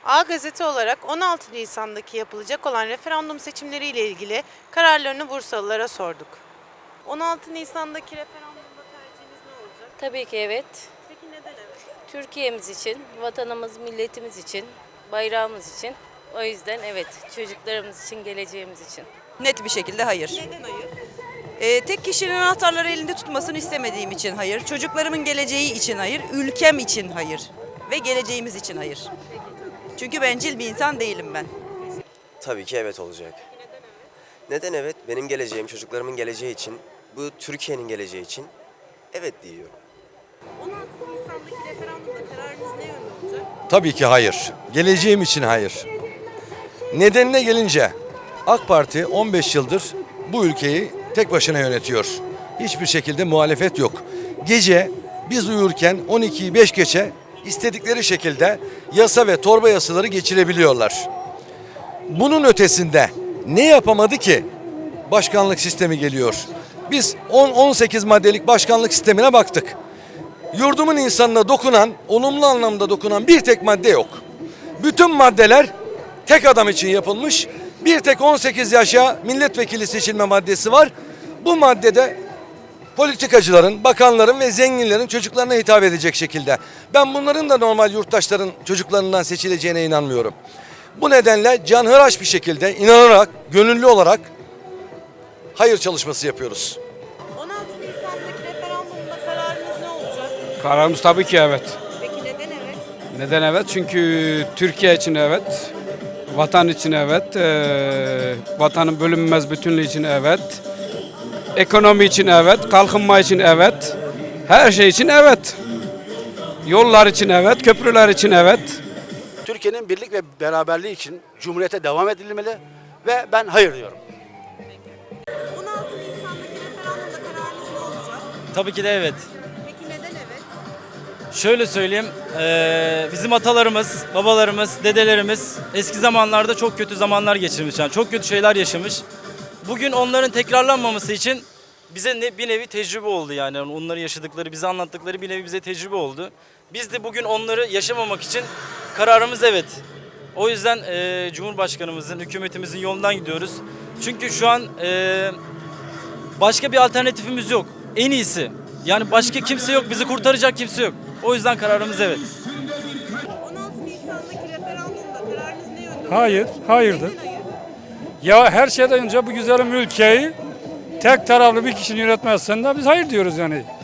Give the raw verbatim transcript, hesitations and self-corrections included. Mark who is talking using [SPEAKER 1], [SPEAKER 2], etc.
[SPEAKER 1] A Gazete olarak on altı Nisan'daki yapılacak olan referandum seçimleriyle ilgili kararlarını Bursalılara sorduk. on altı Nisan'daki referandumda tercihiniz ne olacak?
[SPEAKER 2] Tabii ki evet.
[SPEAKER 1] Peki neden evet?
[SPEAKER 2] Türkiye'miz için, vatanımız, milletimiz için, bayrağımız için. O yüzden evet, çocuklarımız için, geleceğimiz için.
[SPEAKER 3] Net bir şekilde hayır.
[SPEAKER 1] Neden hayır?
[SPEAKER 3] Ee, tek kişinin anahtarları elinde tutmasını istemediğim için hayır. Çocuklarımın geleceği için hayır. Ülkem için hayır. Ve geleceğimiz için hayır. Çünkü bencil bir insan değilim ben.
[SPEAKER 4] Tabii ki evet olacak. Neden evet? Benim geleceğim, çocuklarımın geleceği için, bu Türkiye'nin geleceği için evet diyorum.
[SPEAKER 1] on altı Nisan'daki referandumda kararınız ne yönde olacak?
[SPEAKER 5] Tabii ki hayır. Geleceğim için hayır. Nedenine gelince AK Parti on beş yıldır bu ülkeyi tek başına yönetiyor. Hiçbir şekilde muhalefet yok. Gece biz uyurken on ikiyi beş geçe istedikleri şekilde yasa ve torba yasaları geçirebiliyorlar. Bunun ötesinde ne yapamadı ki? Başkanlık sistemi geliyor. Biz on on sekiz maddelik başkanlık sistemine baktık. Yurdumun insanına dokunan, olumlu anlamda dokunan bir tek madde yok. Bütün maddeler tek adam için yapılmış. Bir tek on sekiz yaşa milletvekili seçilme maddesi var. Bu maddede politikacıların, bakanların ve zenginlerin çocuklarına hitap edecek şekilde. Ben bunların da normal yurttaşların çocuklarından seçileceğine inanmıyorum. Bu nedenle canhıraş bir şekilde inanarak, gönüllü olarak hayır çalışması yapıyoruz.
[SPEAKER 1] on altı Nisan'daki referandumda kararınız ne olacak?
[SPEAKER 6] Kararımız tabii ki evet.
[SPEAKER 1] Peki neden evet?
[SPEAKER 6] Neden evet? Çünkü Türkiye için evet, vatan için evet, eee, vatanın bölünmez bütünlüğü için evet, ekonomi için evet, kalkınma için evet, her şey için evet. Yollar için evet, köprüler için evet.
[SPEAKER 7] Türkiye'nin birlik ve beraberliği için Cumhuriyete devam edilmeli ve ben hayır diyorum.
[SPEAKER 1] on altı Nisan'daki referandumda kararınız ne olacak?
[SPEAKER 8] Tabii ki de evet.
[SPEAKER 1] Peki neden evet?
[SPEAKER 8] Şöyle söyleyeyim, eee, bizim atalarımız, babalarımız, dedelerimiz eski zamanlarda çok kötü zamanlar geçirmiş. Yani çok kötü şeyler yaşamış. Bugün onların tekrarlanmaması için bize ne, bir nevi tecrübe oldu yani. Onları yaşadıkları, bize anlattıkları bir nevi bize tecrübe oldu. Biz de bugün onları yaşamamak için kararımız evet. O yüzden eee, Cumhurbaşkanımızın, hükümetimizin yolundan gidiyoruz. Çünkü şu an eee, başka bir alternatifimiz yok. En iyisi. Yani başka kimse yok, bizi kurtaracak kimse yok. O yüzden kararımız evet.
[SPEAKER 1] on altı Nisan'daki referandumda kararınız ne yönde olacak?
[SPEAKER 9] Hayır, hayırdır.
[SPEAKER 1] Neden hayır?
[SPEAKER 9] Ya her şeyden önce bu güzelim ülkeyi tek taraflı bir kişinin yönetmezsen de biz hayır diyoruz yani.